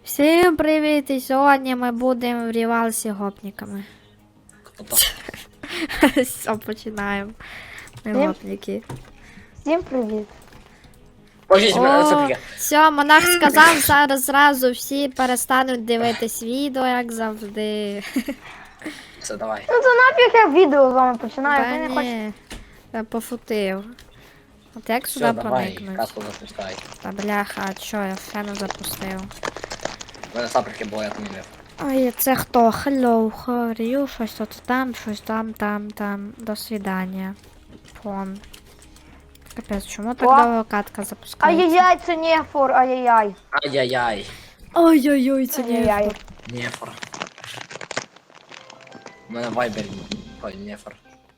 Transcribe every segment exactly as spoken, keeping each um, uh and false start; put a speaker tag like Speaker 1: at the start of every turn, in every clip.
Speaker 1: Всім привіт! І сьогодні ми будемо в рівалсі гопниками. Все, починаємо. Ми
Speaker 2: Всім-
Speaker 1: гопники.
Speaker 2: Всім привіт.
Speaker 3: Ой,
Speaker 1: О,
Speaker 3: Софія.
Speaker 1: все, монах сказав, зараз зразу всі перестануть дивитись відео, як завжди.
Speaker 3: Все, давай.
Speaker 2: Ну то нафіг я відео з вами починаю,
Speaker 1: Та
Speaker 2: ви не хочете.
Speaker 1: ні, я пофутив. От як
Speaker 3: Все,
Speaker 1: сюди
Speaker 3: давай,
Speaker 1: проникнуть?
Speaker 3: каску запускай.
Speaker 1: Та бляха, а чо, я ще не запустив.
Speaker 3: У мене саприки було, я помінив.
Speaker 1: Ой, це хто? Hello, how are you? Щось тут там, щось там, там, там. До свидання. Фон. Капець, чому так
Speaker 2: О!
Speaker 1: довго катка запускається?
Speaker 2: Ай-яй-яй, це нефор, ай-яй-яй.
Speaker 3: Ай-яй-яй.
Speaker 1: Ой-ой-ой, це
Speaker 2: Ай-яй-яй.
Speaker 1: не.
Speaker 3: Нефор. У мене вайбер. Ой, нефор.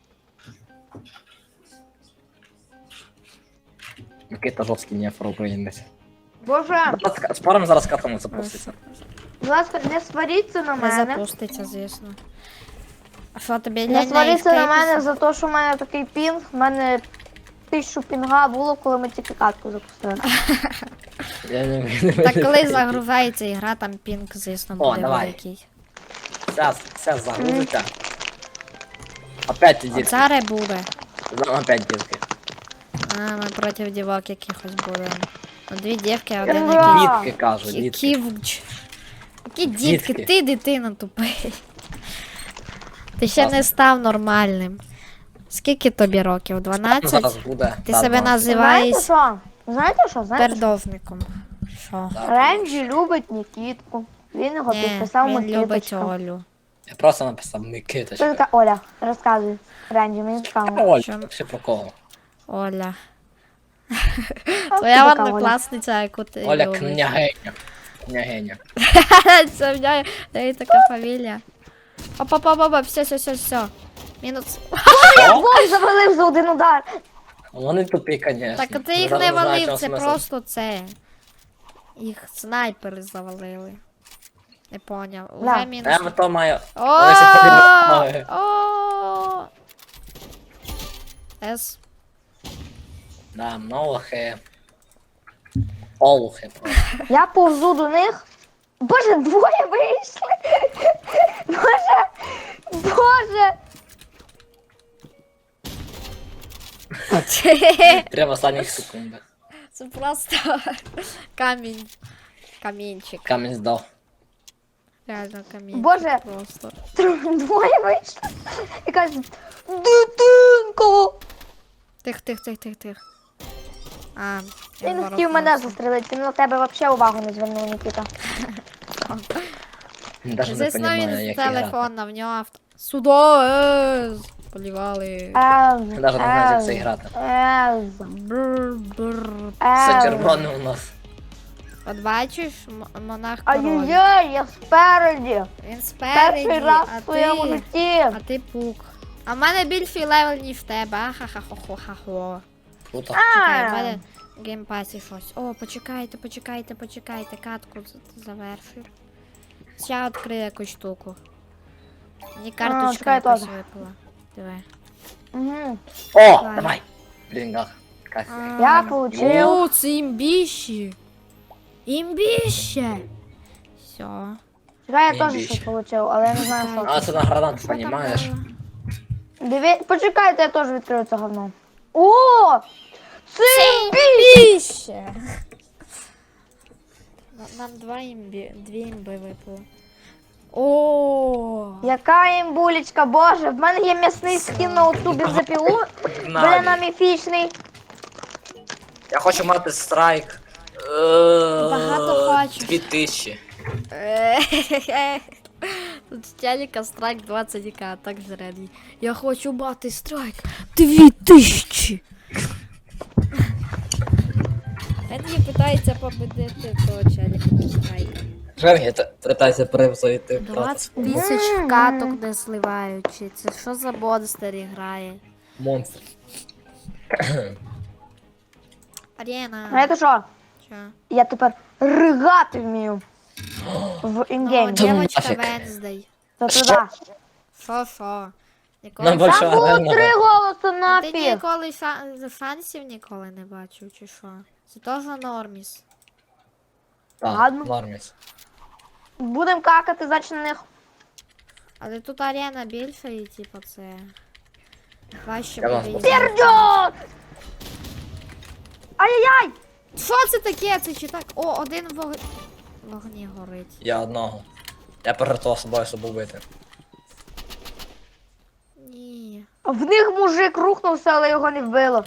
Speaker 3: Микита жорсткий нефор українець.
Speaker 2: Боже,
Speaker 3: Спорим зараз катому запуститься.
Speaker 2: будь ласка, не сваріться на
Speaker 1: Не
Speaker 2: мене.
Speaker 1: запуститься, звісно. А що тобі
Speaker 2: Не
Speaker 1: лень
Speaker 2: сваріться на мене
Speaker 1: ескейпіс?
Speaker 2: за те, що в мене такий пінг. У мене тисячу пінга було, коли ми тільки катку запустили.
Speaker 3: Я не вмію.
Speaker 1: Так коли загружається ігра, там пінг, звісно,
Speaker 3: О,
Speaker 1: буде
Speaker 3: давай.
Speaker 1: великий.
Speaker 3: Сейчас, сейчас загрузиться. Опять ти дітки.
Speaker 1: Оце буде.
Speaker 3: Там опять дітки.
Speaker 1: А, ми проти дівок якихось будемо. Ну, дві дівки, а один
Speaker 2: Ура!
Speaker 1: якийсь.
Speaker 3: Дітки кажу, дітки.
Speaker 1: Ківч. Які дітки,
Speaker 3: Дітки.
Speaker 1: ти дитина тупий. Ти ще
Speaker 3: Класно.
Speaker 1: не став нормальним. Скільки тобі років?
Speaker 3: Зараз
Speaker 1: дванадцять?
Speaker 3: буде.
Speaker 1: Ти
Speaker 3: Да,
Speaker 1: себе
Speaker 3: двадцять.
Speaker 1: називаєш
Speaker 2: Знаєте що? Знаєте що? Знаєте що?
Speaker 1: пердовником. Що?
Speaker 3: Да.
Speaker 2: Ренджі любить Нікітку. Він його
Speaker 1: Ні,
Speaker 2: підписав
Speaker 1: він любить
Speaker 2: Микиточка.
Speaker 1: Олю.
Speaker 3: Я просто написав
Speaker 2: Що
Speaker 3: Микиточка.
Speaker 2: така Оля? Розказуй. Ренджі, мені цікаво.
Speaker 3: Оль,
Speaker 1: Чому?
Speaker 3: ще про кого?
Speaker 1: Оля.
Speaker 2: Хто
Speaker 1: Твоя
Speaker 2: така Оля?
Speaker 1: однокласниця, яку ти
Speaker 3: Оля
Speaker 1: любиш.
Speaker 3: княгиня. Княгиня.
Speaker 1: Це в неї в неї така фамілія. Опа-па-па-па, все, все, все, все. Мінус.
Speaker 3: Що?
Speaker 2: Вон завалив за один удар.
Speaker 3: Вони тупі, звісно.
Speaker 1: Так ти їх не валив, це просто це. Їх снайпери завалили. Не поняв.
Speaker 2: Да.
Speaker 1: Уже мінус.
Speaker 3: Я в то маю.
Speaker 1: О!
Speaker 3: Ой, це подивно.
Speaker 1: О! С.
Speaker 3: Да, многохи. Олухи просто.
Speaker 2: Я повзу до них. Боже, двоє вийшли. Боже, боже.
Speaker 3: Прямо в останніх секундах.
Speaker 1: Це просто камінь. Камінчик.
Speaker 3: Камінь здав.
Speaker 1: Реально камінчик.
Speaker 2: Боже.
Speaker 1: Просто.
Speaker 2: Двоє вийшли. І кажуть, дитинко.
Speaker 1: Тих, тих, тих, тих, тих. А,
Speaker 2: Він
Speaker 1: ворог
Speaker 2: хотів мене
Speaker 1: носить.
Speaker 2: застрелити, він на тебе взагалі увагу не звернув, Нікіта.
Speaker 3: Він навіть не
Speaker 1: Звісно,
Speaker 3: розуміє,
Speaker 1: він
Speaker 3: як
Speaker 1: з
Speaker 3: грати.
Speaker 1: телефона, в нього авто. Судоез! Полівали.
Speaker 2: Ез,
Speaker 3: Він навіть не знає, як це
Speaker 2: ез,
Speaker 3: грати.
Speaker 2: ез,
Speaker 1: Бррр, бррр.
Speaker 3: Все
Speaker 2: ез.
Speaker 3: червоне у нас.
Speaker 1: От бачиш, м- монах король.
Speaker 2: Ай-яй-яй, я спереді.
Speaker 1: Він спереді,
Speaker 2: Перший раз
Speaker 1: а
Speaker 2: в своєму
Speaker 1: ти...
Speaker 2: житті.
Speaker 1: А ти пук. А в мене більший левел, ніж в тебе. Ахахахохохахо.
Speaker 3: Круто.
Speaker 1: Чекай, в
Speaker 2: А,
Speaker 1: мене в геймпасі щось. О, почекайте, почекайте, почекайте. Катку з- завершив. Ще відкрию якусь штуку. Мені карточка
Speaker 2: чекай,
Speaker 1: якась
Speaker 2: теж.
Speaker 1: випала. Диви.
Speaker 2: Угу.
Speaker 3: О,
Speaker 1: Ладно.
Speaker 3: давай. Блін, гах. Кайф.
Speaker 2: Я получив.
Speaker 1: О, це імбіще. Імбіще. Все.
Speaker 2: Чекай, я
Speaker 3: Ні,
Speaker 2: теж
Speaker 3: більше.
Speaker 2: щось получив, але я не знаю, що.
Speaker 3: А це на гранату, понімаєш?
Speaker 2: Диві... Почекайте, я теж відкрию це говно. О! Це
Speaker 1: Імбіще. Нам два імбі, дві імби випало. О,
Speaker 2: яка імбулечка, боже, в мене є м'ясний скін на оцю бензопілу. Бля, на міфічний.
Speaker 3: Я хочу мати страйк.
Speaker 1: Багато хочеш.
Speaker 3: Дві тисячі.
Speaker 1: Тут з телека страйк двадцять к, а так зрадій. Я хочу мати страйк дві тисячі. Він питається победити того челіка страйка.
Speaker 3: Женя, питайся превзойти.
Speaker 1: двадцять тисяч каток не сливаючи. Це що за монстер грає?
Speaker 3: Монстр.
Speaker 1: Арена.
Speaker 2: Знаєте що?
Speaker 1: Що?
Speaker 2: Я тепер ригати вмію. В
Speaker 1: Ну,
Speaker 2: інгеймі.
Speaker 1: дівочка
Speaker 3: нафіг.
Speaker 1: Венздей.
Speaker 2: То туди.
Speaker 1: Шо, шо? Ніколи
Speaker 3: Нам
Speaker 1: фан-
Speaker 3: більше
Speaker 2: Там було
Speaker 3: реального.
Speaker 2: три голоси
Speaker 1: Ти
Speaker 2: нафіг.
Speaker 1: ніколи фа- фансів ніколи не бачив, чи що? Це теж норміс.
Speaker 3: Так,
Speaker 2: Ладно.
Speaker 3: норміс.
Speaker 2: Будем какати, значить, на них.
Speaker 1: Але тут арена більша і типу це. Важче
Speaker 3: Я вас
Speaker 1: буде їздити.
Speaker 2: Пердьот! Ай-яй-яй!
Speaker 1: Що це таке? Це чи так? О, один вог... вогні горить.
Speaker 3: Я одного. Я пожертвував собою, щоб убити.
Speaker 1: Ні.
Speaker 2: В них мужик рухнувся, але його не вбило.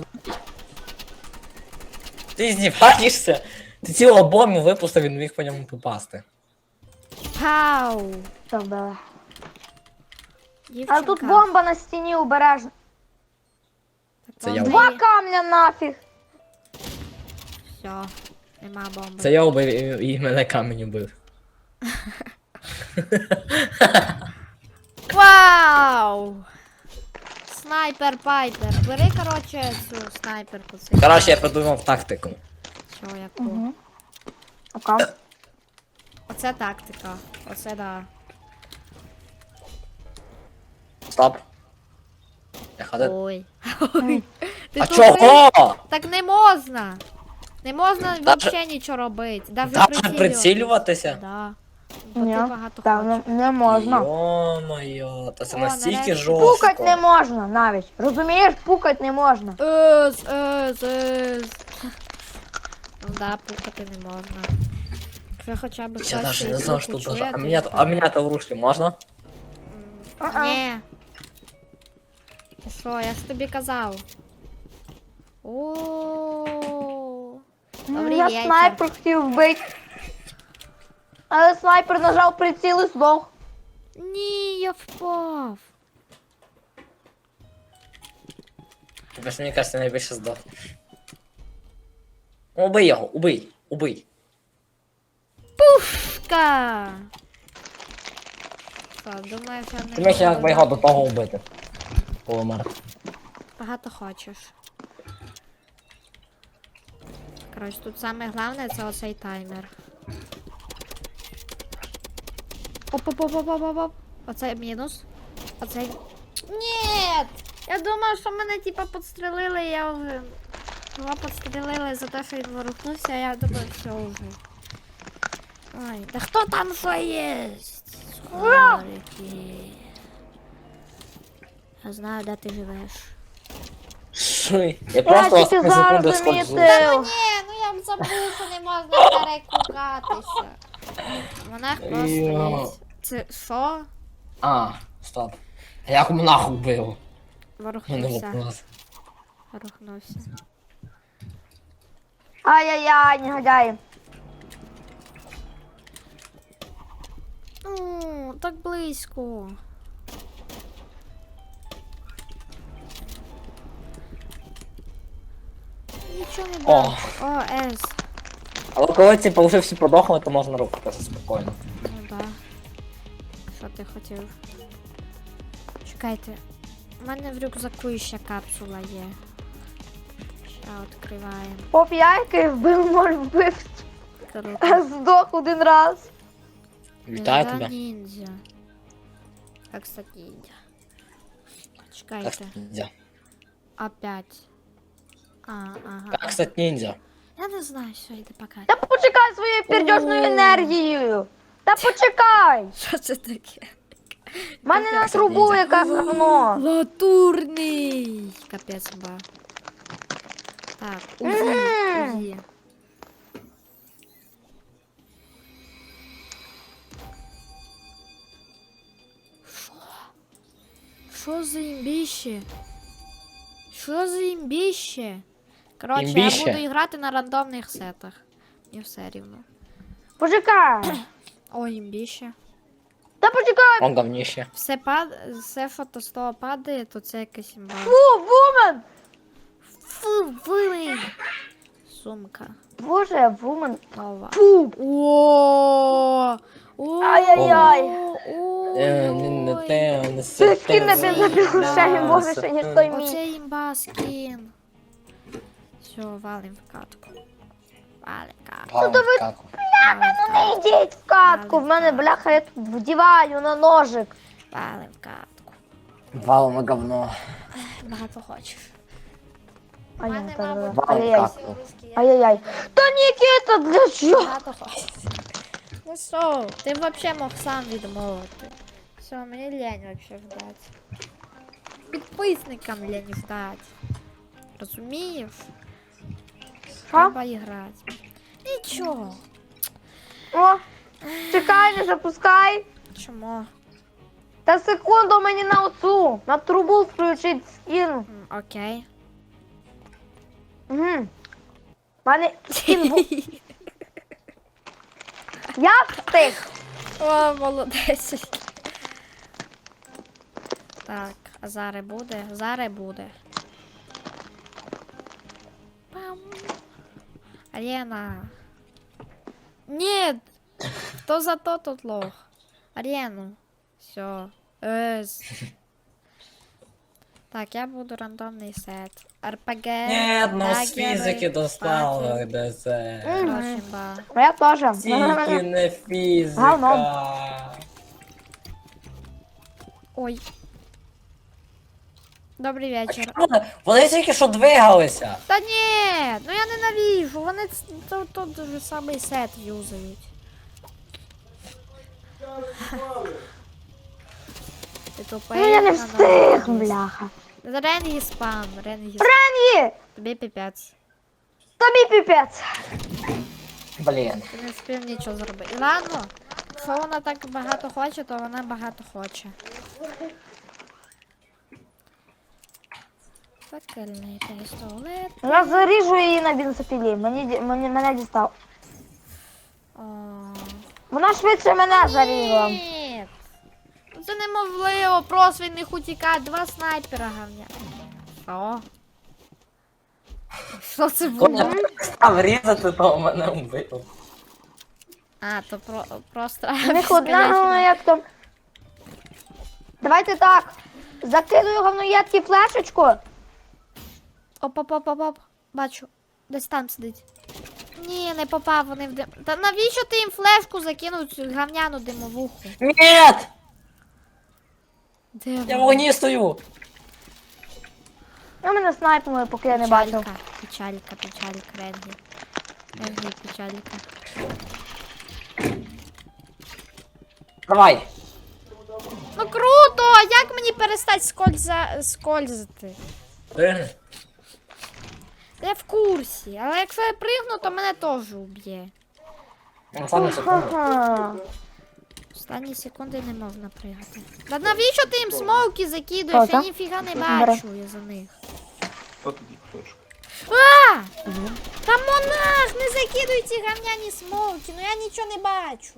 Speaker 3: Ти знімаєшся? Ти цілу бомбу випустив, він міг по ньому попасти.
Speaker 2: Що
Speaker 1: Пау!
Speaker 2: вбили?
Speaker 1: Дівчинка.
Speaker 2: А тут бомба на стіні обережно.
Speaker 1: Так
Speaker 3: Це я
Speaker 1: бомби
Speaker 2: Два
Speaker 1: є.
Speaker 2: камня нафіг.
Speaker 1: Все, нема бомби.
Speaker 3: Це я убив і, і мене камінь убив.
Speaker 1: Вау! Снайпер пайпер. Бери, короче, цю снайперку. Це
Speaker 3: Коротше, я придумав тактику.
Speaker 1: що, яку?
Speaker 2: Угу. Окей.
Speaker 1: Оце тактика. Оце да.
Speaker 3: Стоп. Я ходив.
Speaker 1: Ой. Ой. Ти
Speaker 3: А
Speaker 1: тут
Speaker 3: чого?
Speaker 1: ви- Так не можна. Не можна
Speaker 3: Даже-
Speaker 1: взагалі нічого робити. Даже
Speaker 3: Даже
Speaker 1: прицілюватися.
Speaker 3: прицілюватися?
Speaker 1: Да. Бо
Speaker 2: Ні,
Speaker 1: ти багато
Speaker 2: так, не,
Speaker 1: хочеш.
Speaker 2: не можна.
Speaker 3: Йо-моє, та це
Speaker 1: О,
Speaker 3: настільки
Speaker 1: нарешті.
Speaker 3: жорстко.
Speaker 2: Пукать не можна навіть. Розумієш, пукать не можна.
Speaker 1: Ес, ес, ес. Ну да, пукати не можна. Якщо хоча б
Speaker 3: Я
Speaker 1: хтось
Speaker 3: навіть
Speaker 1: цей
Speaker 3: не знав,
Speaker 1: звук
Speaker 3: що тут
Speaker 1: почує,
Speaker 3: даже. А
Speaker 1: то
Speaker 3: мене,
Speaker 1: це-
Speaker 3: а мене то в руслі можна?
Speaker 2: А-а.
Speaker 1: Ні. Ти що, я ж тобі казав. О. Добрий
Speaker 2: Я
Speaker 1: вечір.
Speaker 2: снайпер хотів вбити. Але снайпер нажав приціл і здох.
Speaker 1: Ні, я впав.
Speaker 3: Тобто, мені кажеться, найбільше здох. Ну, убий його, убий, убий.
Speaker 1: Пушка. Що, думаєш, я не
Speaker 3: Ти міг якби його до
Speaker 1: буду
Speaker 3: того вбити. Полумер.
Speaker 1: багато хочеш. Коротше, тут саме головне це оцей таймер. Оп-оп-оп-оп-оп-оп. Оце мінус. Оце. Ні! Я думав, що мене типа підстрелили, я вже. Його підстрелили за те, що він ворухнувся, а я думаю, все вже. Ой, да хто там що є? Скорики. Я знаю, де ти живеш.
Speaker 3: Що? Я
Speaker 2: Я
Speaker 3: просто
Speaker 2: тільки
Speaker 3: на
Speaker 2: зараз
Speaker 3: секунду сходжу.
Speaker 2: замітив.
Speaker 1: Ні, ну я б забув, що не можна перекукатися. Монах
Speaker 3: Йо.
Speaker 1: просто. Це що?
Speaker 3: А, стоп. А як монах убив? Я не
Speaker 1: Ворухнувся.
Speaker 3: вопрос.
Speaker 1: Ворухнувся.
Speaker 2: Ай-яй-яй, негодяї.
Speaker 1: Ну, так близько. Нічого не
Speaker 3: О.
Speaker 1: дам. О, С.
Speaker 3: Але коли ці вже всі подохли, то можна рухатися спокійно.
Speaker 1: Ну да. Що ти хотів? Чекайте. У мене в рюкзаку ще капсула є. Ще відкриваємо.
Speaker 2: Поп яйки вбив, може вбив.
Speaker 1: Круто.
Speaker 2: А здох один раз.
Speaker 3: Вітаю
Speaker 1: Нельзя
Speaker 3: тебе.
Speaker 1: Ніндзя. Как стать ниндзя?
Speaker 3: Как
Speaker 1: Чекайте.
Speaker 3: стать ниндзя?
Speaker 1: Опять. А, ага.
Speaker 3: Как стать ниндзя?
Speaker 1: Я не знаю, все, йди пока.
Speaker 2: Та почекай своєю пердьожною
Speaker 1: О.
Speaker 2: енергією. Та почекай.
Speaker 1: Що це таке?
Speaker 2: В мене на
Speaker 3: Як це
Speaker 2: трубу
Speaker 3: ніндзя?
Speaker 2: яке говно.
Speaker 1: Латурний! Капець ба. Так, УЗІ,
Speaker 2: Мгм.
Speaker 1: УЗІ. Що? Що за імбіще? Що за імбіще? Коротше,
Speaker 3: Імбіще?
Speaker 1: я буду грати на рандомних сетах. Мені все рівно.
Speaker 2: Почекай.
Speaker 1: О, імбіще.
Speaker 2: Та почекай.
Speaker 3: Он говнище.
Speaker 1: Все пад... все фото з того падає, то це якась імба.
Speaker 2: Фу, вумен.
Speaker 1: Фу, вилий! Сумка.
Speaker 2: Боже, вумен.
Speaker 1: Нова.
Speaker 2: Фу.
Speaker 1: О! О!
Speaker 2: Ай-яй-яй.
Speaker 3: Е, не- не
Speaker 1: Ой.
Speaker 3: те, не
Speaker 2: Це
Speaker 3: се
Speaker 2: скін на
Speaker 3: те.
Speaker 2: бензопилушені, боже, ще ніж той мій.
Speaker 1: Оце імба скін. Все, валим в катку. Валим в катку.
Speaker 3: Палм в каку.
Speaker 1: Валим в
Speaker 2: Не
Speaker 1: катку.
Speaker 2: йдіть в катку, в мене бляха, я тут вдіваю на ножик.
Speaker 1: Валим в катку.
Speaker 3: Валом на говно.
Speaker 1: Багато хочеш.
Speaker 2: Ай,
Speaker 1: Мене,
Speaker 2: та-
Speaker 1: мабуть,
Speaker 3: Валим в
Speaker 2: Ай-яй-яй.
Speaker 3: каку.
Speaker 2: Ай-яй-яй. Та Нікіта, для чого?
Speaker 1: Багато хочеш. Ну що, ти взагалі мог сам відмовити. Все, мені лень вообще ждать. Підписникам лень ждать. Розумієш?
Speaker 2: Що?
Speaker 1: Треба грати. Нічого.
Speaker 2: О, чекай, не запускай.
Speaker 1: Чому?
Speaker 2: Та секунду мені на оцю, на трубу включить скін.
Speaker 1: М, Окей.
Speaker 2: Угу. Мене скін був. Я встиг.
Speaker 1: О, молодець. Так, а зараз буде? Зараз буде. Пам. Арена. Нет! Хто за то тут лох? Арену. Все. Ес. Так, я буду рандомний сет. РПГ.
Speaker 3: Нет, ну з
Speaker 1: дагери,
Speaker 3: фізики достало
Speaker 1: паки,
Speaker 3: ДЗ.
Speaker 1: Рощимба.
Speaker 2: Я теж.
Speaker 3: Тільки не фізика.
Speaker 2: Говно.
Speaker 1: Ой. Добрий вечір.
Speaker 3: Вони тільки що двигалися.
Speaker 1: Та ні, ну я ненавижу, вони ц- то- тот же самий сет юзають. Ти тупий.
Speaker 2: Ну я не
Speaker 1: надо
Speaker 2: встиг,
Speaker 1: було.
Speaker 2: бляха.
Speaker 1: Ренгі спам, Ренгі спам.
Speaker 2: Ренгі!
Speaker 1: Тобі піпець.
Speaker 2: Тобі піпець.
Speaker 3: Блін.
Speaker 1: Ти не спів нічого зробити. Ладно, якщо вона так багато хоче, то вона багато хоче. Факельний пістолет.
Speaker 2: Я заріжу її на бензопілі. Мені, ді- мені, мене дістав.
Speaker 1: О.
Speaker 2: Вона швидше мене зарізала.
Speaker 1: Ні. Це неможливо, просто від них утікати. Два снайпера говня. Що? Що це
Speaker 3: Коли
Speaker 1: було?
Speaker 3: я став різати, то мене вбив.
Speaker 1: А, то про, просто...
Speaker 2: У них одна говноєтка. Давайте так. Закидую говноєтки флешечку.
Speaker 1: Оп-оп-оп-оп. Бачу. Десь там сидить. Ні, не попав, вони в дим. Та навіщо ти їм флешку закинув цю говняну димовуху?
Speaker 3: Нет!
Speaker 1: Де
Speaker 3: Я в
Speaker 1: вона?
Speaker 3: вогні стою.
Speaker 2: Ну, мене снайпнули, поки я не бачив.
Speaker 1: Печалька, печалька, печалька, Ренгі. Ренгі, печалька.
Speaker 3: Давай.
Speaker 1: Ну круто! Як мені перестати скольза... скользити?
Speaker 3: Пригни.
Speaker 1: Я в курсі, але якщо я пригну, то мене теж уб'є.
Speaker 3: Останню секунду.
Speaker 2: Ага.
Speaker 1: Останні секунди не можна пригати. Та навіщо ти їм смоуки закидуєш? Я
Speaker 2: Ага.
Speaker 1: ніфіга не
Speaker 2: Бере.
Speaker 1: бачу я за них.
Speaker 4: От тоді пташка.
Speaker 1: А! Та монах, не закидуй ці говняні смоуки, ну я нічого не бачу.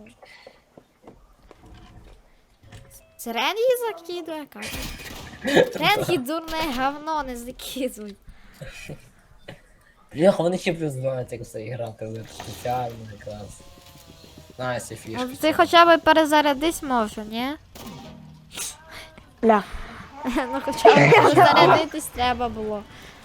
Speaker 1: Це Ренгі закидує, каже. Ренгі дурне говно, не закидуй.
Speaker 3: Бляха, вони ще плюс знають, як все грати. Це спеціально якраз. Знаю ці фішки.
Speaker 1: Ну, ти хоча б перезарядись можу, ні?
Speaker 2: Бля.
Speaker 1: Ну хоча б перезарядитись треба було.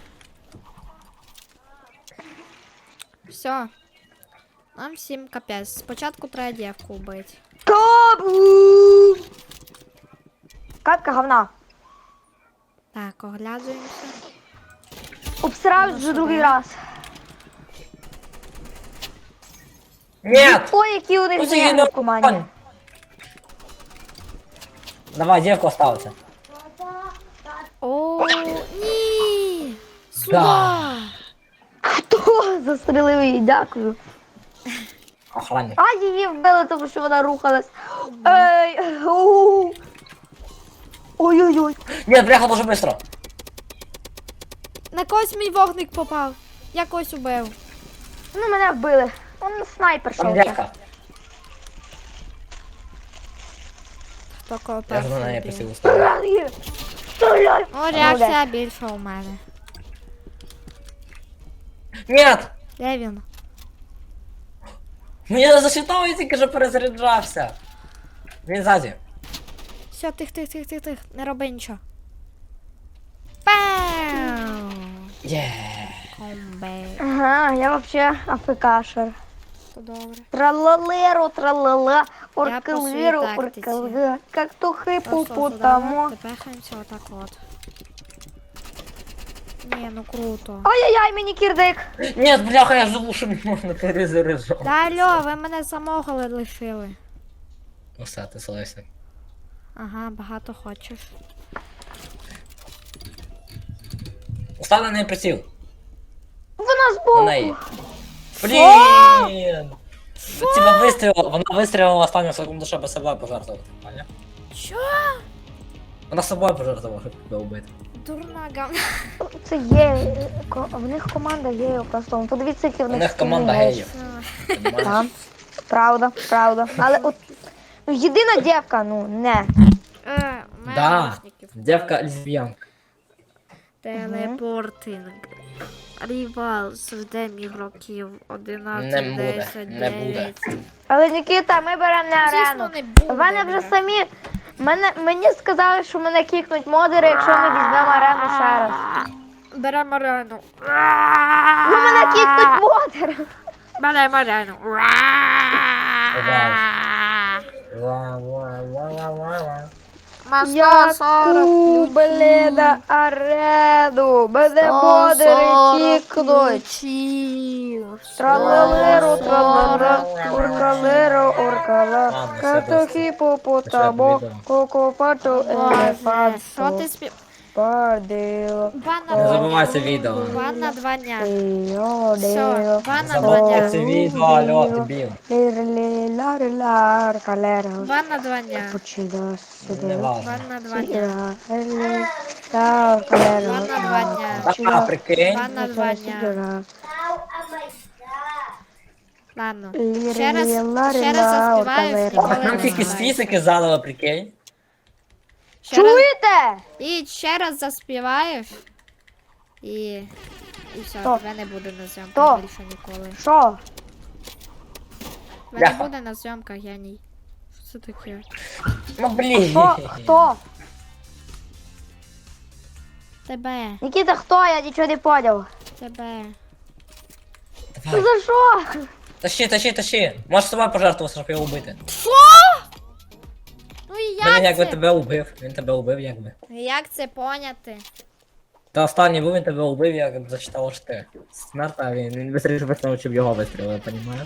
Speaker 1: Все. Нам всім капець. Спочатку треба дівку вбити.
Speaker 2: Кабу! Катка говна.
Speaker 1: Так, оглядуємося.
Speaker 2: Обсираюсь вже другий раз.
Speaker 3: Нет!
Speaker 2: Ой, які у них
Speaker 3: Ну, її
Speaker 2: зміни в команді.
Speaker 3: не- Давай, девку остався.
Speaker 1: О, ні! Сюда!
Speaker 3: Да.
Speaker 2: Хто застрелив її? Дякую.
Speaker 3: Охранник.
Speaker 2: А її вбили, тому що вона рухалась. Ей, у. Ой-ой-ой.
Speaker 3: Нет, бляха, дуже быстро.
Speaker 1: На когось мій вогник попав. Я когось убив.
Speaker 2: Ну, мене вбили. Он снайпер
Speaker 3: Там
Speaker 2: шов.
Speaker 3: девка.
Speaker 1: Хто кого
Speaker 3: Я ж на
Speaker 1: перший
Speaker 3: неї
Speaker 1: вбив.
Speaker 3: присів ставити.
Speaker 2: Стріляй! Стріляй!
Speaker 1: О, реакція більша у мене.
Speaker 3: Нет!
Speaker 1: Де він?
Speaker 3: Мені не засчитав, я тільки що перезаряджався. Він ззаді.
Speaker 1: Все, тих, тих, тих, тих, тих. Не роби нічого. Пау!
Speaker 3: Є.
Speaker 1: Комбе.
Speaker 2: Ага, я вообще афекашер.
Speaker 1: То добре.
Speaker 2: Тралалеро, тралала,
Speaker 1: по
Speaker 2: оркалеро,
Speaker 1: своїй тактиці.
Speaker 2: оркалеро, как то хипу
Speaker 1: Просто
Speaker 2: потому.
Speaker 1: сюди, тепехаємося отак от. Ні, ну круто.
Speaker 2: Ай-яй-яй, мені кірдик.
Speaker 3: Ні, бляха, я забув, що можна перезаряджати.
Speaker 1: Та алло, ви мене самого лишили.
Speaker 3: Ну все, ти слайся.
Speaker 1: Ага, багато хочеш.
Speaker 3: Став на неї приціл.
Speaker 2: Вона
Speaker 3: На
Speaker 2: збоку.
Speaker 3: неї. Блін! Тебе вистрілила, вона вистрілила останню секунду, щоб себе пожертвувати. Поняв?
Speaker 1: Що?
Speaker 3: Вона собою пожертвувала, щоб тебе вбити.
Speaker 1: Дурна гавна.
Speaker 2: Це є. ко- В них команда геїв просто. Ну, подивіться, які в
Speaker 3: У
Speaker 2: них
Speaker 3: них команда
Speaker 2: скіни,
Speaker 3: геїв. Понімаєш?
Speaker 2: Так. Правда, правда. Але от. Ну, єдина дівка, ну, не.
Speaker 1: Е, у мене
Speaker 3: Да,
Speaker 1: наушників.
Speaker 3: дівка лесбіянка.
Speaker 1: Телепортинг. Рівал совдем ігроків
Speaker 3: Не
Speaker 1: одинадцять,
Speaker 3: буде,
Speaker 1: десять,
Speaker 3: не буде.
Speaker 1: дев'ять.
Speaker 2: Але Нікіта, ми беремо не
Speaker 1: Звісно,
Speaker 2: арену.
Speaker 1: не буде.
Speaker 2: В мене вже самі. Мене, мені сказали, що мене кікнуть модери, якщо ми візьмемо арену ще раз.
Speaker 1: Беремо арену.
Speaker 2: Ну мене кікнуть модери.
Speaker 1: Беремо арену.
Speaker 3: Ва, ва, ва, ва, ва, ва.
Speaker 1: Ма сто
Speaker 2: Яку,
Speaker 1: сорок
Speaker 2: блін, арену. Мене модери кікнуть.
Speaker 1: ключів.
Speaker 2: Тралелеру, тралера, уркалеру, уркала,
Speaker 3: Ладно, все,
Speaker 2: катохі попотамо,
Speaker 3: Пішли, відео.
Speaker 2: кокопату,
Speaker 1: Боже, що
Speaker 2: елефанту,
Speaker 1: ти спів...
Speaker 2: падило,
Speaker 1: Бан на
Speaker 3: Не
Speaker 1: два
Speaker 3: забувай
Speaker 1: дня.
Speaker 3: це відео.
Speaker 1: Бан на два дня.
Speaker 2: йо,
Speaker 1: Все,
Speaker 2: дило,
Speaker 1: бан на два
Speaker 3: Забувай
Speaker 1: дня.
Speaker 3: це відео, алло, дебіл.
Speaker 2: лір-лі-лар-лар, калера,
Speaker 1: Бан на два дня.
Speaker 2: почида,
Speaker 3: Не
Speaker 2: сюди,
Speaker 3: важно.
Speaker 1: Бан на два дня.
Speaker 2: сіра, лар, калера,
Speaker 1: Бан на два дня.
Speaker 3: А, прикинь.
Speaker 1: Бан на два дня. Ладно. Ще раз, ще раз заспіваєш, ніколи
Speaker 3: Нам
Speaker 1: не
Speaker 3: тільки з
Speaker 1: співаєш.
Speaker 3: фізики задали, прикинь.
Speaker 1: Ще раз,
Speaker 2: Чуєте?
Speaker 1: і ще раз заспіваєш. І... І все,
Speaker 2: Хто?
Speaker 1: тебе не буде на зйомках
Speaker 2: Хто?
Speaker 1: більше ніколи.
Speaker 2: Що?
Speaker 1: Тебе не
Speaker 3: Бляха.
Speaker 1: буде на зйомках, геній. Що це таке?
Speaker 3: Ну блін.
Speaker 2: Хто? Хто?
Speaker 1: Тебе,
Speaker 2: Нікіта, хто? Я нічого не поняв.
Speaker 1: тебе.
Speaker 2: Ну за що?
Speaker 3: Тащи, тащи, тащи. Можеш собою пожертвувати, щоб його вбити.
Speaker 1: Що? Ну і
Speaker 3: Та він
Speaker 1: як
Speaker 3: якби
Speaker 1: це?
Speaker 3: тебе убив. Він тебе убив якби.
Speaker 1: Як це поняти?
Speaker 3: Та останній був, він тебе убив, як зачитав що ти. Смерта, він, він вистрілив вистрілив, щоб його вистрілили, розумієш?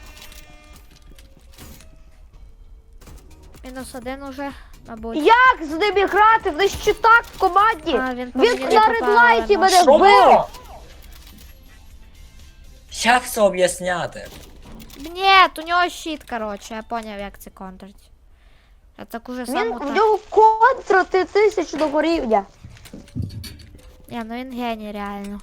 Speaker 1: Мінус один уже, мабуть.
Speaker 2: Як з ними грати? В нас щитак в команді.
Speaker 1: А, він по
Speaker 2: Він
Speaker 1: мені не
Speaker 2: на
Speaker 1: попав,
Speaker 2: редлайті
Speaker 1: ладно.
Speaker 2: мене вбив.
Speaker 3: Як це об'ясняти?
Speaker 1: Ні, у нього щит, коротше, я поняв, як це контрить. Я так уже
Speaker 2: Він
Speaker 1: сам
Speaker 2: в
Speaker 1: так.
Speaker 2: нього контра тисячного рівня.
Speaker 1: Ні, ну він геній, реально.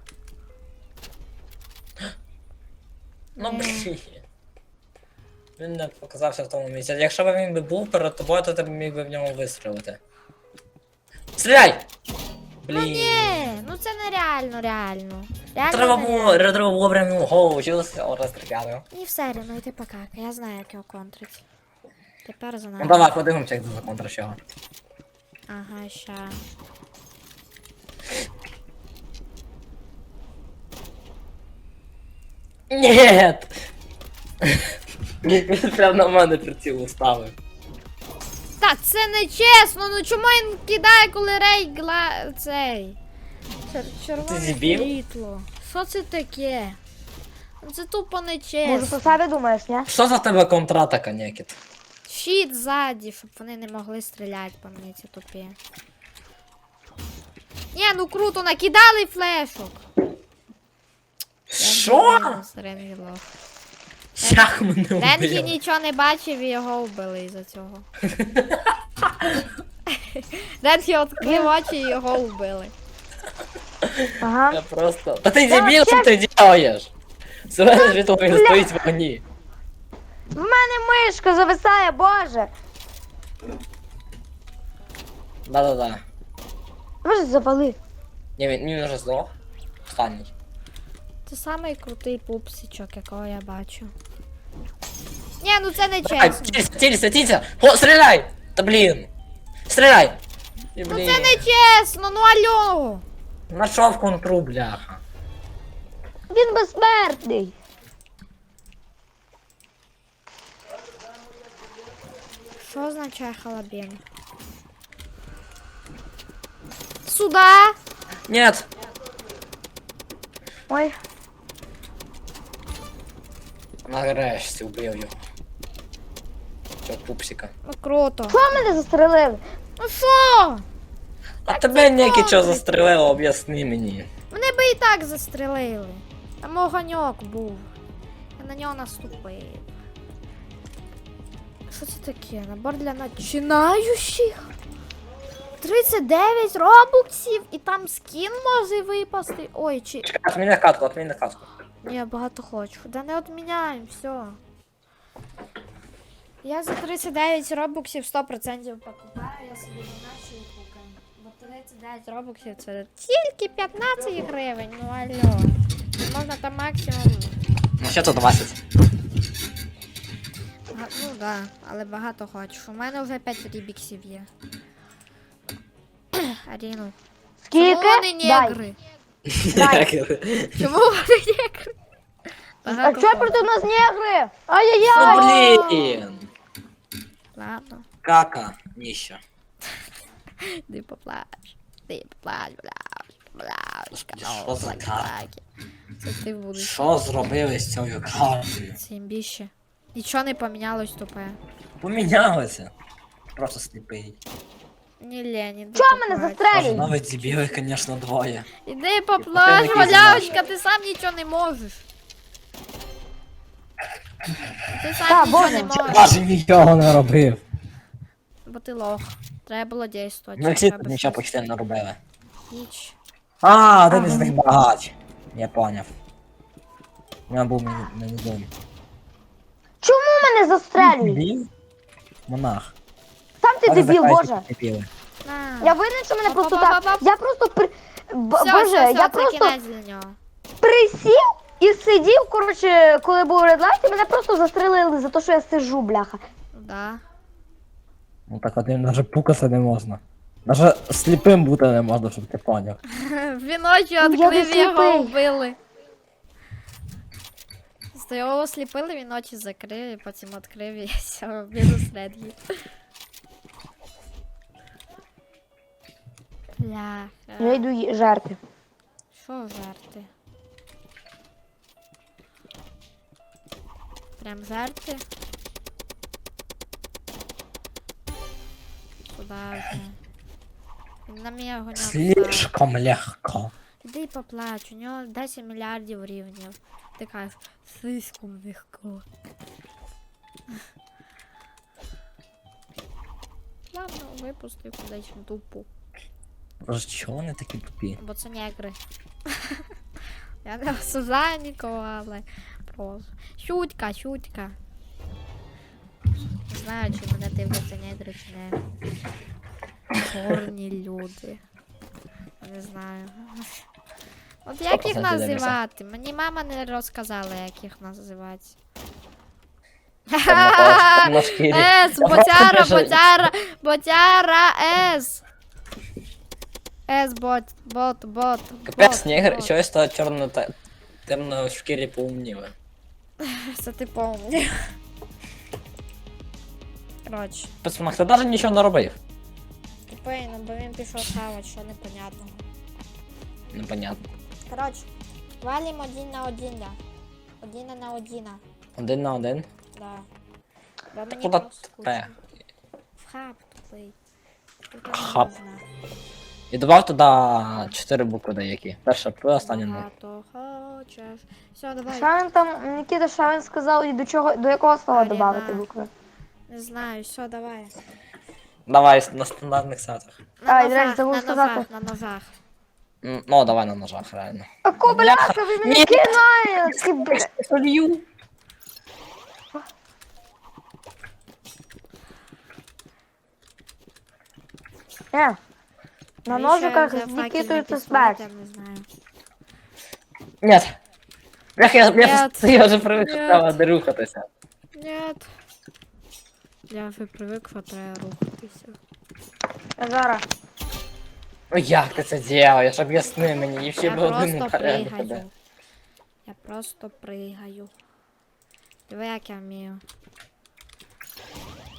Speaker 3: Ну
Speaker 1: Ні.
Speaker 3: блін. Він не показався в тому місці. Якщо б він би був перед тобою, то ти б міг би в нього вистрілити. Стріляй!
Speaker 1: Ну
Speaker 3: Блін.
Speaker 1: ні, ну це нереально, реально. Реально
Speaker 3: Треба
Speaker 1: нереально.
Speaker 3: було, треба було прямо йому голову чилося, розстріляти.
Speaker 1: Ні, все рівно, йди покака, я знаю, як його контрить. Тепер за
Speaker 3: Ну
Speaker 1: нами.
Speaker 3: давай, подивимося, як за контра чого.
Speaker 1: Ага, ща.
Speaker 3: Нет! Він прям на мене приціл уставив.
Speaker 1: Та це не чесно, ну чому він кидає, коли рей гла... цей. Чер... Червоне
Speaker 3: Ти дебіл?
Speaker 1: світло. Що це таке? Ну це тупо не
Speaker 2: Може,
Speaker 1: чесно.
Speaker 2: по себе думаєш, ні?
Speaker 3: Що за тебе контратака, Некіт?
Speaker 1: Щит ззаді, щоб вони не могли стріляти по мені, ці тупі. Ні, ну круто, накидали флешок.
Speaker 3: Що?
Speaker 1: Ренгі лох.
Speaker 3: Як мене
Speaker 1: Ренгі
Speaker 3: вбили?
Speaker 1: нічого не бачив і його вбили із-за цього. Ренгі відкрив очі і його вбили.
Speaker 2: Ага.
Speaker 3: Я просто... Та ти дебіл, що ти делаєш? Зелене світло він стоїть в вогні.
Speaker 2: В мене мишка зависає, боже.
Speaker 3: Да-да-да.
Speaker 2: Може, завали.
Speaker 3: Ні, він, він вже здох. Останній.
Speaker 1: Це самий крутий пупсичок, якого я бачу. Ні, ну це не
Speaker 3: Давай,
Speaker 1: чесно.
Speaker 3: цілься, цілься, цілься! О, стріляй! Та блін! Стріляй! І,
Speaker 1: Ну
Speaker 3: блін.
Speaker 1: це не чесно, ну алло!
Speaker 3: Нашов контру, бляха.
Speaker 2: Він безсмертний.
Speaker 1: Що означає халабін? Сюда!
Speaker 3: Нет!
Speaker 2: Ой.
Speaker 3: Нарешті вбив його. Цього пупсика.
Speaker 1: Ну круто.
Speaker 2: Що мене застрелили?
Speaker 1: Ну що?
Speaker 3: А тебе ніякі
Speaker 1: добре.
Speaker 3: чого застрелило, об'ясни мені.
Speaker 1: Мене би і так застрелили. Там огоньок був. Я на нього наступив. Що це таке? Набор для починаючих? тридцять дев'ять робоксів і там скін може випасти. Ой, чи...
Speaker 3: Чекай, отміни катку, отміни катку.
Speaker 1: Ні, я багато хочу. Да не відміняємо, все. Я за тридцять дев'ять робоксів сто відсотків покупаю, я собі іначе і купую. Бо тридцять дев'ять робоксів це тільки п'ятнадцять гривень, ну алло. Можна там максимум.
Speaker 3: Ну ще то двадцять.
Speaker 1: Га- Ну да, але багато хочу. У мене вже п'ять рібіксів є. Аріну.
Speaker 2: Скільки?
Speaker 1: Чому вони
Speaker 2: Дай.
Speaker 1: негри?
Speaker 2: Дай.
Speaker 1: Чому вони негри?
Speaker 2: А
Speaker 1: Багато
Speaker 2: чого
Speaker 1: хочу.
Speaker 2: проти нас негри? Ай-яй-яй!
Speaker 3: Ну блін.
Speaker 1: Ладно,
Speaker 3: Кака, ніщо.
Speaker 1: ти поплач. Ти поплач, бляш, бляш.
Speaker 3: Господи, що за карта?
Speaker 1: Це ти будеш.
Speaker 3: Що зробили з цією картою?
Speaker 1: Це імбіще. Нічого не помінялось тупе.
Speaker 3: Помінялося. Просто сліпий.
Speaker 1: Ні лені, ти
Speaker 2: Чого мене
Speaker 1: поплач.
Speaker 3: Може,
Speaker 2: застрелюють?
Speaker 3: навіть дебіли, звісно, двоє.
Speaker 1: Іди поплач,
Speaker 3: такий
Speaker 1: малявочка, ти сам нічого не можеш. Ти сам
Speaker 2: Та,
Speaker 1: нічого
Speaker 2: Боже.
Speaker 1: не можеш.
Speaker 3: Навіть нічого не робив.
Speaker 1: Бо ти лох. Треба було дійствувати.
Speaker 3: Ну всі
Speaker 1: треба
Speaker 3: тут нічого
Speaker 1: щось.
Speaker 3: почти не робили.
Speaker 1: Ніч.
Speaker 3: А, один із них багач. Я поняв. У мене був мені, мені дом.
Speaker 2: Чому мене застрелюють?
Speaker 3: Дебіл? Монах.
Speaker 2: Сам ти
Speaker 3: Але
Speaker 2: дебіл,
Speaker 3: захай
Speaker 2: боже.
Speaker 3: дебіли.
Speaker 1: На.
Speaker 2: Я винен, що мене просто так.
Speaker 1: Па-па-па-па.
Speaker 2: Я просто при... Б-
Speaker 1: Все,
Speaker 2: Боже,
Speaker 1: все, все,
Speaker 2: я
Speaker 1: це
Speaker 2: просто
Speaker 1: кінець для нього.
Speaker 2: присів і сидів, коротше, коли був редлайт, і мене просто застрелили за те, що я сижу, бляха.
Speaker 1: Да.
Speaker 3: Ну так одним навіть пукаса не можна. Навіть сліпим бути не можна, щоб ти поняв.
Speaker 1: Віночі
Speaker 2: Я не
Speaker 1: відкрив його
Speaker 2: сліпий.
Speaker 1: вбили. Просто його осліпили, він очі закрив, і потім відкрив і все, він усередині. Бля.
Speaker 2: Я йду ї- жерти.
Speaker 1: Що жарти? Прям жарти? Куда вже? Він на мене огоньок став.
Speaker 3: Слишком легко.
Speaker 1: Іди і поплач, у нього десять мільярдів рівнів. Ти кажеш, слишком легко. Ладно, випустив кудись в дупу.
Speaker 3: Боже, чого вони такі тупі?
Speaker 1: Бо це негри. Я не осуждаю нікого, але просто. Шутка, шутка. Не знаю, чи мене дивляться негри, чи не. Чорні люди. Не знаю. От як їх
Speaker 3: Сто процентів
Speaker 1: називати? Мені мама не розказала, як їх називати.
Speaker 3: На шкірі.
Speaker 1: Ес,
Speaker 3: Я
Speaker 1: ботяра,
Speaker 3: просто біжу.
Speaker 1: ботяра, ботяра, ес. Ес, бот, бот, бот.
Speaker 3: Капець,
Speaker 1: бот,
Speaker 3: негр,
Speaker 1: бот.
Speaker 3: чогось то чорно та темно в шкірі поумніли.
Speaker 1: Це ти помні. Коротше,
Speaker 3: Пацанах, ти навіть нічого не робив.
Speaker 1: тупий, ну бо він пішов хавати, що непонятного.
Speaker 3: Непонятно.
Speaker 1: Коротше, валім один на один, да. Один на один,
Speaker 3: Один на один.
Speaker 1: да. Бо мені
Speaker 3: Куда
Speaker 1: просто
Speaker 3: тупе?
Speaker 1: скучно. В хаб тупий. Тут не
Speaker 3: Хаб.
Speaker 1: можна.
Speaker 3: І добав туди чотири букви деякі. Перша П, остання Н.
Speaker 1: Багато хочеш. Все, давай.
Speaker 2: Що він там, Нікіта, що він сказав і до чого, до якого слова
Speaker 1: Аріна.
Speaker 2: додати букви?
Speaker 1: Не знаю, все, давай.
Speaker 3: Давай на стандартних сетах.
Speaker 1: На
Speaker 2: А, і, до речі,
Speaker 1: ножах,
Speaker 2: забув
Speaker 1: на
Speaker 2: сказати.
Speaker 1: ножах, на ножах.
Speaker 3: М, Ну, давай на ножах, реально.
Speaker 2: А кобляха, ви мене
Speaker 3: Ні.
Speaker 2: кидаєте, бля.
Speaker 3: Солью.
Speaker 2: Е, на
Speaker 1: Навіщо
Speaker 2: ножиках
Speaker 1: я
Speaker 2: з
Speaker 1: взяв
Speaker 2: Нікітою
Speaker 1: факельний
Speaker 2: це
Speaker 1: пістолет,
Speaker 2: смерть.
Speaker 1: Я не знаю.
Speaker 3: Нет. Бляха, я, я,
Speaker 1: Нет.
Speaker 3: я вже привик, що
Speaker 1: Нет.
Speaker 3: треба не рухатися.
Speaker 1: Нет. Я вже привик, що треба рухатися.
Speaker 2: Я зараз.
Speaker 3: Ну як ти це делаєш? Об'ясни мені, і ще
Speaker 1: Я
Speaker 3: б один
Speaker 1: просто
Speaker 3: порядок тебе.
Speaker 1: пригаю. Я просто пригаю. Диви, як я вмію.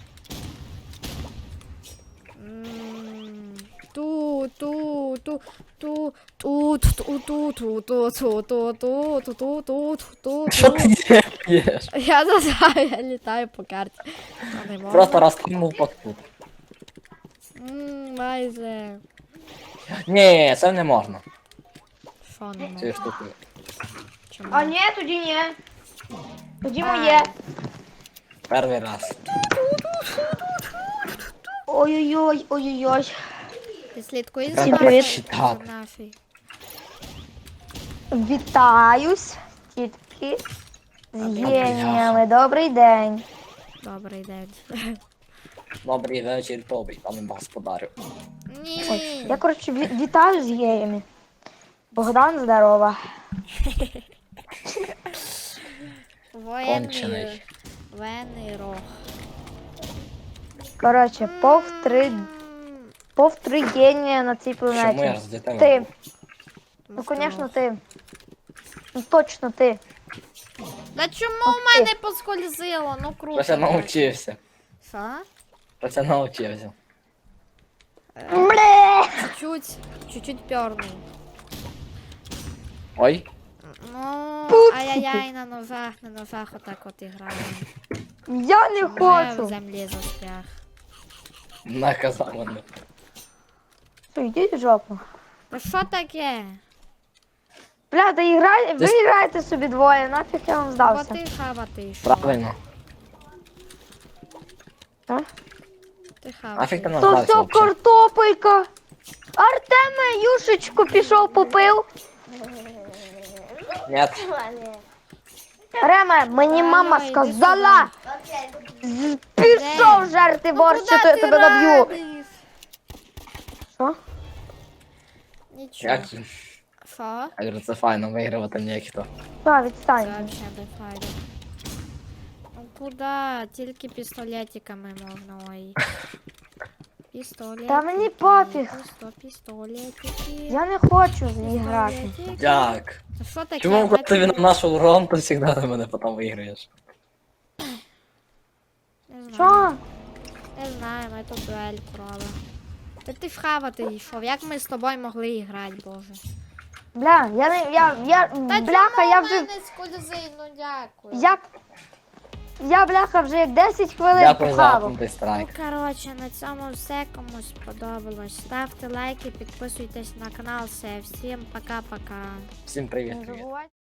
Speaker 1: М, Ту, ту, ту. ту ту ту ту ту ту ту ту ту ту ту ту ту
Speaker 3: Що ти делаєш?
Speaker 1: Я не знаю, я літаю по карті. А не можна?
Speaker 3: Просто розкинув подкуп.
Speaker 1: Ммм, майже.
Speaker 3: Ні, це не можна.
Speaker 1: Що не
Speaker 3: Цією
Speaker 1: можна?
Speaker 3: штукою.
Speaker 1: Чому?
Speaker 2: А ні, тоді ні. Тоді
Speaker 1: А.
Speaker 2: моє.
Speaker 3: Перший раз.
Speaker 2: Ой-ой-ой, ой-ой-ой.
Speaker 1: Ти слідкуєш
Speaker 3: Всім
Speaker 1: за
Speaker 2: привіт.
Speaker 1: нашою-
Speaker 3: Так.
Speaker 1: за нашою?
Speaker 2: Вітаюсь, тітки. З геніями. Добрий день.
Speaker 1: Добрий день.
Speaker 3: Добрий вечір, тобі, пане господарю.
Speaker 1: Ні.
Speaker 2: Я, коротше, ві- вітаю з геями. Богдан, здорова.
Speaker 1: Воєнний.
Speaker 3: Кончений.
Speaker 1: Воєнний рог.
Speaker 2: Коротше, повтори,
Speaker 1: М,
Speaker 2: повтори генія на цій
Speaker 3: Чому я
Speaker 2: планеті.
Speaker 3: з дітей?
Speaker 2: Ти.
Speaker 1: ну
Speaker 2: Ну,
Speaker 1: що?
Speaker 2: звісно, ти. Ну, точно ти.
Speaker 1: Да чому
Speaker 2: Ух
Speaker 1: в мене
Speaker 2: ти.
Speaker 1: поскользило? Ну круто.
Speaker 3: Щось я
Speaker 1: так.
Speaker 3: навчився.
Speaker 1: Що?
Speaker 3: Щось я навчився.
Speaker 2: Бле!
Speaker 1: Чуть-чуть, чуть-чуть пернул.
Speaker 3: Ой,
Speaker 1: Ну,
Speaker 2: Пупсики.
Speaker 1: ай-яй-яй, на ножах, на ножах отак от іграємо.
Speaker 2: Я не
Speaker 1: Я в
Speaker 2: хочу.
Speaker 1: землі застряг.
Speaker 3: наказав мене.
Speaker 2: Що, йдіть в жопу.
Speaker 1: Ну що таке?
Speaker 2: Бля, та іграй, ви
Speaker 3: Десь-
Speaker 2: граєте собі двоє, нафіг я вам
Speaker 1: Бо
Speaker 2: здався.
Speaker 1: ти хавати йшов.
Speaker 3: Правильно.
Speaker 2: А?
Speaker 1: Ти хавати.
Speaker 3: Нафіг ти
Speaker 1: йшов.
Speaker 3: нас
Speaker 2: То
Speaker 3: здався
Speaker 2: все
Speaker 3: вообще?
Speaker 2: картопелька. Артеме, юшечку пішов попив.
Speaker 3: Нет.
Speaker 2: Реме, мені
Speaker 1: Алло,
Speaker 2: мама
Speaker 1: іди
Speaker 2: сказала. з- Пішов
Speaker 1: Де?
Speaker 2: жерти
Speaker 1: Ну,
Speaker 2: борщ,
Speaker 1: куди
Speaker 2: чи то я
Speaker 1: ти
Speaker 2: тебе наб'ю.
Speaker 1: радиш?
Speaker 2: Що?
Speaker 1: Нічого.
Speaker 3: Як?
Speaker 1: Що?
Speaker 3: Я говорю, це файно, вигравати ніхто.
Speaker 2: Та,
Speaker 1: Це
Speaker 2: відстань.
Speaker 1: вообще не файно. Ну куди? Тільки пістолетиками можна, ой. Пістолетики.
Speaker 2: Та мені пофіг.
Speaker 1: Пісто, пістолетики.
Speaker 2: Я не хочу з ній грати.
Speaker 1: Пістолетики.
Speaker 3: Як?
Speaker 1: Та що таке?
Speaker 3: Чому коли ти
Speaker 1: Ми
Speaker 3: на нашу урон, то завжди на мене потім виграєш?
Speaker 1: Не знаю.
Speaker 2: Що?
Speaker 1: Не знаю, ми тут дуель провели. Та ти в хавати йшов, як ми з тобою могли грати, боже.
Speaker 2: Бля, я не, я, я,
Speaker 1: Та
Speaker 2: бляха,
Speaker 1: чому
Speaker 2: я
Speaker 1: в
Speaker 2: вже,
Speaker 1: мене скользи, ну дякую.
Speaker 2: я, я, бляха, вже як десять хвилин
Speaker 3: Дякую за
Speaker 2: похавав.
Speaker 3: апнутий страйк.
Speaker 1: Ну, коротше, на цьому все, кому сподобалось. Ставте лайки, підписуйтесь на канал, все. Всім пока-пока.
Speaker 3: Всім привіт.
Speaker 2: Не
Speaker 3: привіт.
Speaker 2: забувайте.